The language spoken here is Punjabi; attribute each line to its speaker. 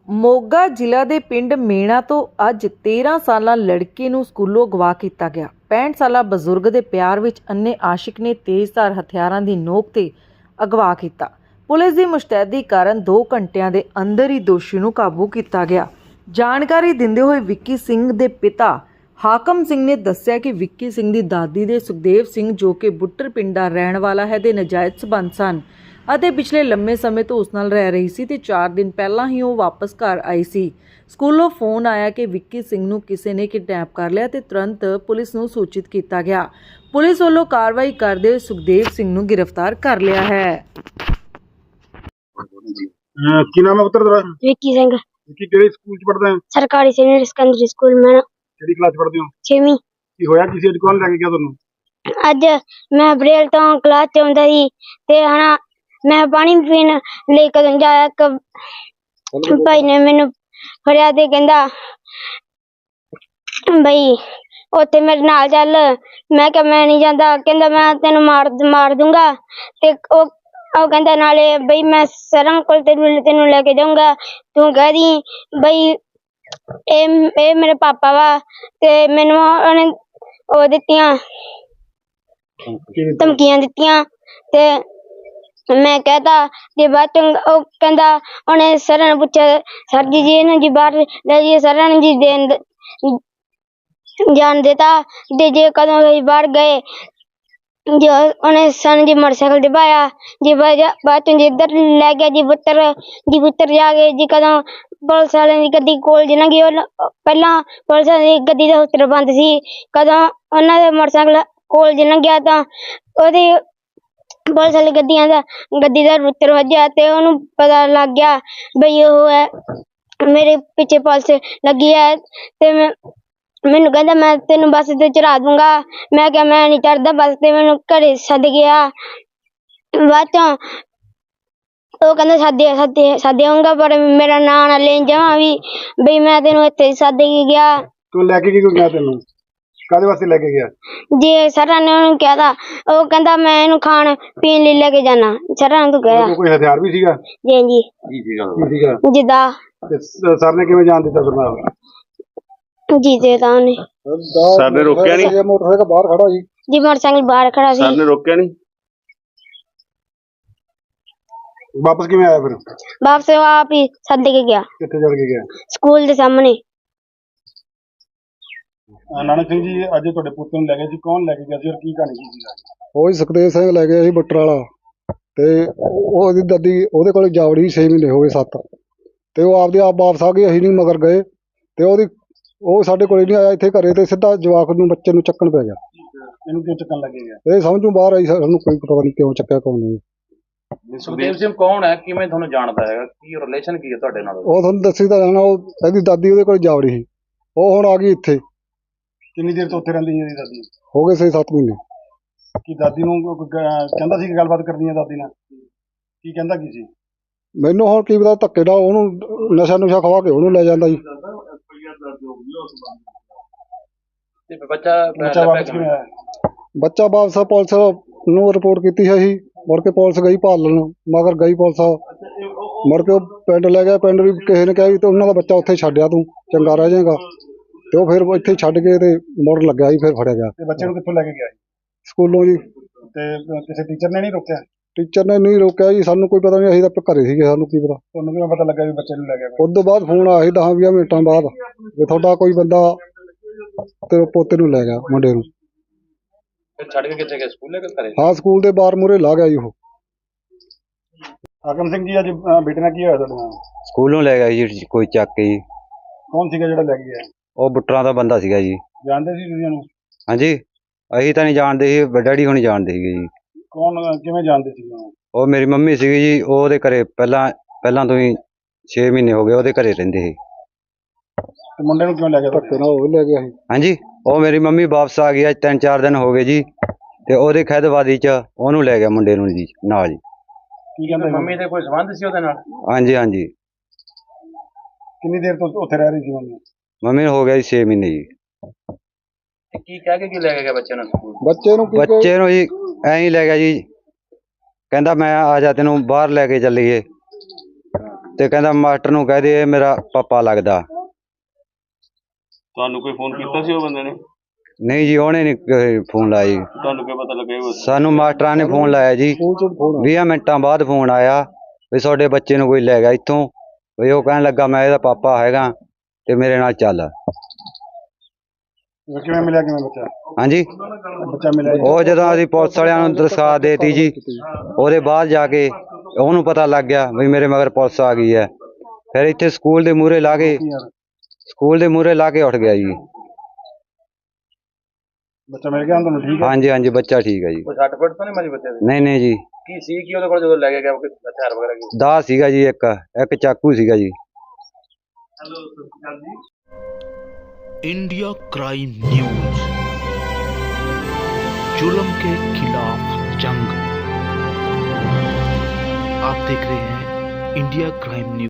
Speaker 1: ਮੋਗਾ ਜ਼ਿਲ੍ਹਾ ਦੇ ਪਿੰਡ ਮੇਣਾ ਤੋਂ ਅੱਜ 13 ਸਾਲਾ ਲੜਕੀ ਨੂੰ ਸਕੂਲੋਂ ਅਗਵਾ ਕੀਤਾ ਗਿਆ। 65 ਸਾਲਾ ਬਜ਼ੁਰਗ ਦੇ ਪਿਆਰ ਵਿੱਚ ਅੰਨੇ ਆਸ਼ਿਕ ਨੇ ਤੇਜ਼ਧਾਰ ਹਥਿਆਰਾਂ ਦੀ ਨੋਕ ਤੇ ਅਗਵਾ ਕੀਤਾ। ਪੁਲਿਸ ਦੀ ਮੁਸ਼ਤੈਦੀ ਕਾਰਨ 2 ਘੰਟਿਆਂ ਦੇ ਅੰਦਰ ਹੀ ਦੋਸ਼ੀ ਨੂੰ ਕਾਬੂ ਕੀਤਾ ਗਿਆ। ਜਾਣਕਾਰੀ ਦਿੰਦੇ ਹੋਏ ਵਿੱਕੀ ਸਿੰਘ ਦੇ ਪਿਤਾ ਹਾਕਮ ਸਿੰਘ ਨੇ ਦੱਸਿਆ ਕਿ ਵਿੱਕੀ ਸਿੰਘ ਦੀ ਦਾਦੀ ਦੇ ਸੁਖਦੇਵ ਸਿੰਘ ਜੋ ਕਿ ਬੁੱਟਰ ਪਿੰਡ ਦਾ ਰਹਿਣ ਵਾਲਾ ਹੈ ਦੇ ਨਾਜਾਇਜ਼ ਸਬੰਧ ਸਨ ਅਤੇ ਪਿਛਲੇ ਲੰਮੇ ਸਮੇਂ ਤੋਂ ਉਸ ਨਾਲ ਰਹਿ ਰਹੀ ਸੀ ਤੇ 4 ਦਿਨ ਪਹਿਲਾਂ ਹੀ ਉਹ ਵਾਪਸ ਘਰ ਆਈ ਸੀ। ਸਕੂਲੋਂ ਫੋਨ ਆਇਆ ਕਿ ਵਿੱਕੀ ਸਿੰਘ ਨੂੰ ਕਿਸੇ ਨੇ ਕਿਡਨੈਪ ਕਰ ਲਿਆ ਤੇ ਤੁਰੰਤ ਪੁਲਿਸ ਨੂੰ ਸੂਚਿਤ ਕੀਤਾ ਗਿਆ। ਪੁਲਿਸ ਵੱਲੋਂ ਕਾਰਵਾਈ ਕਰਦੇ ਹੋਏ ਸੁਖਦੇਵ ਸਿੰਘ ਨੂੰ ਗ੍ਰਿਫਤਾਰ ਕਰ ਲਿਆ ਹੈ।
Speaker 2: ਕੀ ਨਾਮ ਹੈ ਪੁੱਤਰ ਤੇਰਾ?
Speaker 3: विक्की सिंह
Speaker 2: ਕੀ ਕਿਹੜੇ ਸਕੂਲ ਚ ਪੜਦਾ ਹੈ?
Speaker 3: सरकारी सीनियर सेकेंडरी स्कूल में
Speaker 2: ਕਿਹੜੀ ਕਲਾਸ ਪੜਦੇ ਹੋ?
Speaker 3: 6ਵੀं।
Speaker 2: ਕੀ ਹੋਇਆ ਕਿਸੇ ਅੱਜ ਕੌਣ ਲੈ ਕੇ ਗਿਆ ਤੁਹਾਨੂੰ?
Speaker 3: ਅੱਜ मैं अप्रैल तो क्लास च आउंदा सी ते हना मैं पानी पीन ले कदों जाया एक भाई ने मैनू फड़िया ते कहंदा बई उत्थे मेरे नाल चल। मैं कहा मैं नहीं जांदा। कहंदा मैं तेनू मार दूंगा ते ਉਹ ਕਹਿੰਦਾ ਨਾਲੇ ਬਈ ਮੈਂ ਸਰਾਂ ਕੋਲ ਤੈਨੂੰ ਲੈ ਕੇ ਜਾਊਂਗਾ। ਤੂੰ ਕਹਿ ਦੀ ਬਈ ਇਹ ਮੇਰੇ ਪਾਪਾ ਵਾ ਤੇ ਮੈਨੂੰ ਉਹਨੇ ਉਹ ਦਿੱਤੀਆਂ ਧਮਕੀਆਂ ਦਿੱਤੀਆਂ ਤੇ ਮੈਂ ਕਹਿਤਾ ਜੇ ਬਾਅਦ ਚ ਉਹ ਕਹਿੰਦਾ ਉਹਨੇ ਸਰਾਂ ਨੂੰ ਪੁੱਛਿਆ ਸਰ ਜੀ ਇਹਨੂੰ ਜੀ ਬਾਹਰ ਲੈ ਜੀ। ਸਰਾਂ ਨੇ ਜੀ ਜਾਣ ਦਿੱਤਾ ਤੇ ਜੇ ਕਦੋਂ ਅਸੀਂ ਬਾਹਰ ਗਏ जो उन्हें सन जी मोटरसाइकिल दिखाया जी बाद इधर ले गया जी पुत्र जाके जी कदों पुलिस वाले की गड्डी कोल जी लंघी पहला पुलिस वाले की गड्डी दा हुक्म बंद सी। कदों उन्हां दे मोटरसाइकिल कोल जी लंघिया तां ओहदी पुलिस वाली गड्डी दा रुत्तर वज्जिया ते ओनू पता लग गया बई ओह है मेरे पीछे पुलिस लगी है ते मैनू कहंदा मैं तेनू बस ते चढ़ा दूंगा। मैं क्या मैं नहीं चढ़दा बस ते मैनू घरे सद गया। बाद चों ਉਹ ਕਹਿੰਦਾ ਸਾਦੇ ਆਉਂਗਾ ਪਰ ਮੇਰਾ ਨਾਂ ਨਾ ਲੈਣ ਜਾਵਾਂ ਵੀ ਬਈ ਮੈਂ ਤੈਨੂੰ ਇੱਥੇ ਸਾਦੇ ਕੇ ਗਿਆ।
Speaker 2: ਤੂੰ ਲੈ ਕੇ ਕਿਉਂ ਗਿਆ? ਤੈਨੂੰ ਕਾਹਦੇ ਵਾਸਤੇ ਲੈ ਕੇ ਗਿਆ?
Speaker 3: ਜੇ ਸਰਾਂ ਨੇ ਉਹਨੂੰ ਕਿਹਾ ਤਾਂ ਉਹ ਕਹਿੰਦਾ ਮੈਂ ਇਹਨੂੰ ਖਾਣ ਪੀਣ ਲਈ ਲੈ ਕੇ ਜਾਣਾ। ਸਰਾਂ ਨੇ ਤੂੰ ਕਿਹਾ
Speaker 2: ਕੋਈ ਹਥਿਆਰ ਵੀ ਸੀਗਾ?
Speaker 3: ਜੀ ਜੀ
Speaker 2: ਕੀ ਸੀਗਾ?
Speaker 3: ਜਿੱਦਾਂ
Speaker 2: ਸਰ ਨੇ ਕਿਵੇਂ ਜਾਣ ਦਿੱਤਾ ਫਿਰ ਨਾਲ?
Speaker 3: ਜੀ ਦੇ ਤਾਂ ਉਹਨੇ
Speaker 4: ਸਰ ਨੇ ਰੋਕਿਆ ਨਹੀਂ?
Speaker 2: ਮੋਟਰਸਾਈਕਲ ਬਾਹਰ ਖੜਾ ਜੀ।
Speaker 3: ਜੀ ਮੋਟਰਸਾਈਕਲ ਬਾਹਰ ਖੜਾ ਸੀ।
Speaker 4: ਸਰ ਨੇ ਰੋਕਿਆ ਨਹੀਂ?
Speaker 2: ਵਾਪਸ ਕਿਵੇਂ ਆਇਆ ਫਿਰ?
Speaker 3: ਵਾਪਸ ਉਹ ਆਪ ਹੀ ਸੱਦ ਕੇ ਗਿਆ।
Speaker 2: ਕਿੱਥੇ ਚੜ ਕੇ ਗਿਆ?
Speaker 3: ਸਕੂਲ ਦੇ ਸਾਹਮਣੇ।
Speaker 2: ਨਾਨਕ ਸਿੰਘ ਜੀ ਅੱਜ ਤੁਹਾਡੇ ਪੁੱਤ ਨੂੰ ਲੈ ਗਏ ਸੀ, ਕੌਣ ਲੈ ਕੇ ਗਿਆ ਸੀ ਔਰ ਕੀ ਕਹਾਣੀ ਸੀ?
Speaker 5: ਉਹ ਹੀ ਸੁਖਦੇਵ ਸਿੰਘ ਲੈ ਗਿਆ ਸੀ ਬੁੱਟਰ ਵਾਲਾ ਤੇ ਉਹਦੀ ਦਾਦੀ ਉਹਦੇ ਕੋਲ ਜਾਵੜੀ 6 ਮਹੀਨੇ ਹੋ ਗਏ 7 ਤੇ ਉਹ ਆਪਦੇ ਆਪ ਵਾਪਸ ਆ ਗਈ। ਅਸੀਂ ਨਹੀਂ ਮਗਰ ਗਏ ਤੇ ਉਹ ਸਾਡੇ ਕੋਲ ਨਹੀਂ ਆਇਆ ਇੱਥੇ ਘਰੇ ਤੇ ਸਿੱਧਾ ਜਵਾਕ ਨੂੰ ਬੱਚੇ ਨੂੰ ਚੱਕਣ ਪੈ ਗਿਆ।
Speaker 2: ਇਹਨੂੰ ਕਿਉਂ ਚੱਕਣ ਲੱਗੇ ਗਿਆ?
Speaker 5: ਇਹ ਸਮਝੋਂ ਬਾਹਰ ਆਈ। ਸਾਨੂੰ ਕੋਈ ਪਤਾ ਨਹੀਂ ਕਿਉਂ ਚੱਕਿਆ ਕੌਣ ਨਹੀਂ।
Speaker 4: ਸੁਖਦੇਵ ਸਿੰਘ ਕੌਣ ਹੈ? ਕਿਵੇਂ ਤੁਹਾਨੂੰ ਜਾਣਦਾ ਹੈਗਾ? ਕੀ ਰਿਲੇਸ਼ਨ ਕੀ ਹੈ ਤੁਹਾਡੇ ਨਾਲ?
Speaker 5: ਉਹ ਤੁਹਾਨੂੰ ਦੱਸੀ ਤਾਂ ਜਾਣਾ। ਉਹ ਇਹਦੀ ਦਾਦੀ ਉਹਦੇ ਕੋਲ ਜਾਵੜੀ ਸੀ। ਉਹ ਹੁਣ ਆ ਗਈ ਇੱਥੇ।
Speaker 2: ਕਿੰਨੀ ਦੇਰ ਤੋਂ ਉੱਥੇ ਰਹਿੰਦੀ ਸੀ ਇਹਦੀ ਦਾਦੀ?
Speaker 5: ਹੋ ਗਏ 6-7 ਮਹੀਨੇ।
Speaker 2: ਕੀ ਦਾਦੀ ਨੂੰ ਕਹਿੰਦਾ ਸੀ ਕਿ ਗੱਲਬਾਤ ਕਰਨੀ ਹੈ ਦਾਦੀ ਨਾਲ? ਕੀ ਕਹਿੰਦਾ ਕੀ ਸੀ? ਮੈਨੂੰ
Speaker 5: ਹੁਣ ਕੀ ਪਤਾ ਧੱਕੇ ਨਾਲ ਉਹਨੂੰ ਨਸ਼ਾ ਖਵਾ ਕੇ ਉਹਨੂੰ ਲੈ ਜਾਂਦਾ ਜੀ।
Speaker 4: ਤੇ ਬੱਚਾ
Speaker 2: ਵਾਪਸ ਕਿਵੇਂ ਆਇਆ?
Speaker 5: ਬੱਚਾ ਵਾਪਸ ਪੁਲਿਸ ਨੂੰ ਰਿਪੋਰਟ ਕੀਤੀ ਹੈ ਜੀ। ਮੁੜ ਕੇ ਪੁਲਿਸ ਗਈ ਭਾਲਣ ਮਗਰ ਗਈ ਪੁਲਿਸ। ਮੁੜ ਕੇ ਉਹ ਪਿੰਡ ਲੈ ਗਿਆ। ਪਿੰਡ ਵੀ ਕਿਸੇ ਨੇ ਕਿਹਾ ਵੀ ਤੇ ਉਹਨਾਂ ਦਾ ਬੱਚਾ ਉੱਥੇ ਛੱਡਿਆ ਤੂੰ ਚੰਗਾ ਰਹਿ ਜਾਏਗਾ ਤੇ ਉਹ ਫਿਰ ਇੱਥੇ ਛੱਡ ਕੇ ਤੇ ਮੁੜ ਲੱਗਿਆ ਜੀ। ਫਿਰ ਫੜਿਆ ਗਿਆ। ਤੇ ਬੱਚੇ ਨੂੰ ਕਿੱਥੋਂ ਲੈ ਕੇ ਗਿਆ? ਸਕੂਲੋਂ ਜੀ। ਤੇ ਕਿਸੇ ਟੀਚਰ ਨੇ ਨਹੀਂ ਰੋਕਿਆ? ਟੀਚਰ ਨੇ ਨਹੀਂ ਰੋਕਿਆ ਜੀ। ਸਾਨੂੰ ਕੋਈ ਪਤਾ ਨਹੀਂ। ਅਸੀਂ ਤਾਂ ਘਰੇ ਸੀਗੇ। ਸਾਨੂੰ ਕੀ ਪਤਾ। ਤੁਹਾਨੂੰ ਕਿਵੇਂ ਪਤਾ ਲੱਗਾ ਵੀ ਬੱਚੇ ਨੂੰ ਲੈ ਗਿਆ? ਉਸ ਤੋਂ ਬਾਅਦ ਫੋਨ ਆਇਆ ਸੀ 10-20 ਮਿੰਟਾਂ ਬਾਅਦ ਵੀ ਤੁਹਾਡਾ ਕੋਈ ਬੰਦਾ ਤੇ ਪੋਤੇ ਨੂੰ ਲੈ ਗਿਆ ਮੁੰਡੇ ਨੂੰ।
Speaker 4: ਛੱਡ ਕੇ ਕਿੱਥੇ ਗਿਆ? ਸਕੂਲ ਲੈ ਕੇ ਘਰੇ?
Speaker 5: ਹਾਂ ਸਕੂਲ ਦੇ ਬਾਹਰ ਮੂਹਰੇ ਲਾ ਗਿਆ ਜੀ ਉਹ।
Speaker 2: ਹਾਕਮ ਸਿੰਘ ਜੀ ਅੱਜ ਬੇਟੇ ਨਾਲ ਕੀ ਹੋਇਆ ਤੁਹਾਡੇ ਨਾਲ?
Speaker 6: ਸਕੂਲੋਂ ਲੈ ਗਿਆ ਜੀ ਕੋਈ ਚੱਕ ਕੇ ਜੀ।
Speaker 2: ਕੌਣ ਸੀਗਾ ਜਿਹੜਾ ਲੈ ਕੇ ਗਿਆ?
Speaker 6: ਉਹ ਬੁੱਟਰਾਂ ਦਾ ਬੰਦਾ ਸੀਗਾ ਜੀ।
Speaker 2: ਜਾਣਦੇ ਸੀ ਤੁਸੀਂ ਉਹਨੂੰ?
Speaker 6: ਹਾਂਜੀ ਅਸੀਂ ਤਾਂ ਨਹੀਂ ਜਾਣਦੇ ਸੀ। ਡੈਡੀ ਹੁਣੀ ਜਾਣਦੇ ਸੀਗੇ ਜੀ।
Speaker 2: ਕੌਣ ਕਿਵੇਂ ਜਾਣਦੇ ਸੀ ਉਹਨੂੰ?
Speaker 6: ਉਹ ਮੇਰੀ ਮੰਮੀ ਸੀਗੀ ਜੀ। ਉਹ ਉਹਦੇ ਘਰੇ ਪਹਿਲਾਂ ਤੋਂ ਹੀ 6 ਮਹੀਨੇ ਹੋ ਗਏ ਉਹਦੇ ਘਰੇ ਰਹਿੰਦੇ ਸੀ।
Speaker 2: ਤੇ ਮੁੰਡੇ ਨੂੰ ਕਿਉਂ ਲੈ ਗਿਆ?
Speaker 5: ਧੱਕੇ ਨਾਲ ਉਹ ਲੈ ਗਿਆ ਸੀ।
Speaker 6: ਹਾਂਜੀ ਉਹ ਮੇਰੀ ਮੰਮੀ ਵਾਪਸ ਆ ਗਈ। ਅੱਜ 3-4 ਦਿਨ ਹੋ ਗਏ ਜੀ ਤੇ ਉਹਦੇ ਖੈਦਵਾਦੀ ਚ ਉਹਨੂੰ ਲੈ ਗਿਆ ਮੁੰਡੇ ਨੂੰ ਜੀ ਨਾਲ ਜੀ।
Speaker 2: ਕੀ ਕਹਿੰਦਾ?
Speaker 4: ਮੰਮੀ ਦੇ ਕੋਈ ਸੰਬੰਧ ਸੀ ਉਹਦੇ ਨਾਲ?
Speaker 6: ਹਾਂਜੀ ਹਾਂਜੀ।
Speaker 2: ਕਿੰਨੀ ਦੇਰ ਤੋਂ ਉੱਥੇ ਰਹਿ ਰਹੀ ਸੀ ਮੰਮੀ?
Speaker 6: ਮੰਮੀ ਨੂੰ ਹੋ ਗਿਆ ਜੀ 6 ਮਹੀਨੇ ਜੀ।
Speaker 4: ਕੀ ਕਹਿ ਕੇ ਕੀ ਲੈ ਕੇ ਗਿਆ ਬੱਚੇ ਨੂੰ ਸਕੂਲ?
Speaker 5: ਬੱਚੇ ਨੂੰ
Speaker 6: ਜੀ ਐਂ ਹੀ ਲੈ ਗਿਆ ਜੀ। ਕਹਿੰਦਾ ਮੈਂ ਆ ਜਾ ਤੈਨੂੰ ਬਾਹਰ ਲੈ ਕੇ ਚੱਲੀਏ। ਤੇ ਕਹਿੰਦਾ ਮਾਸਟਰ ਨੂੰ ਕਹਿ ਦੇ ਇਹ ਮੇਰਾ ਪਾਪਾ ਲੱਗਦਾ।
Speaker 7: ਤੁਹਾਨੂੰ ਕੋਈ ਫੋਨ ਕੀਤਾ ਸੀ ਉਹ ਬੰਦੇ ਨੇ?
Speaker 6: ਨਹੀਂ ਜੀ, ਉਹਨੇ ਨਹੀਂ ਫੋਨ ਲਾਇਆ ਜੀ।
Speaker 7: ਤੁਹਾਨੂੰ ਕੀ ਪਤਾ ਲੱਗਿਆ ਉਹ?
Speaker 6: ਸਾਨੂੰ ਮਾਸਟਰਾਂ ਨੇ ਫੋਨ ਲਾਇਆ ਜੀ, 20 ਮਿੰਟਾਂ ਬਾਅਦ ਫੋਨ ਆਇਆ ਵੀ ਤੁਹਾਡੇ ਬੱਚੇ ਨੂੰ ਕੋਈ ਲੈ ਗਿਆ ਇੱਥੋਂ। ਵੀ ਉਹ ਕਹਿਣ ਲੱਗਾ ਮੈਂ ਇਹਦਾ ਪਾਪਾ ਹੈਗਾ ਤੇ ਮੇਰੇ ਨਾਲ ਚੱਲ।
Speaker 2: ਕਿਵੇਂ ਮਿਲਿਆ ਕਿਵੇਂ ਬੱਚਾ?
Speaker 6: ਹਾਂਜੀ,
Speaker 2: ਬੱਚਾ ਮਿਲਿਆ ਜੀ?
Speaker 6: ਉਹ ਜਦੋਂ ਅਸੀਂ ਪੁਲਿਸ ਵਾਲਿਆਂ ਨੂੰ ਦਰਖਾਸਤ ਦੇਤੀ ਜੀ, ਉਹਦੇ ਬਾਅਦ ਜਾ ਕੇ ਉਹਨੂੰ ਪਤਾ ਲੱਗ ਗਿਆ ਵੀ ਮੇਰੇ ਮਗਰ ਪੁਲਿਸ ਆ ਗਈ ਹੈ। ਫਿਰ ਇੱਥੇ ਸਕੂਲ ਦੇ ਮੂਹਰੇ ਲਾ ਕੇ ਉੱਠ ਗਿਆ ਜੀ।
Speaker 2: ਬੱਚਾ ਮਿਲ ਗਿਆ ਹੁਣ ਤੁਹਾਨੂੰ? ਠੀਕ ਹੈ।
Speaker 6: ਹਾਂਜੀ ਹਾਂਜੀ, ਬੱਚਾ ਠੀਕ ਹੈ ਜੀ।
Speaker 4: ਕੋਈ 60 ਫੁੱਟ ਤਾਂ ਨਹੀਂ ਮਾਰੀ ਬੱਚੇ ਦੇ?
Speaker 6: ਨਹੀਂ ਨਹੀਂ ਜੀ।
Speaker 4: ਕੀ ਸੀ ਕੀ ਉਹਦੇ ਕੋਲ ਜਦੋਂ ਲੈ ਕੇ ਗਿਆ ਕੋਈ ਹਥਿਆਰ ਵਗੈਰਾ ਕੀ?
Speaker 6: ਦਾ ਸੀਗਾ ਜੀ, ਇੱਕ ਚਾਕੂ ਸੀਗਾ ਜੀ।
Speaker 8: इंडिया क्राइम न्यूज, जुल्म के खिलाफ जंग। आप देख रहे हैं इंडिया क्राइम न्यूज।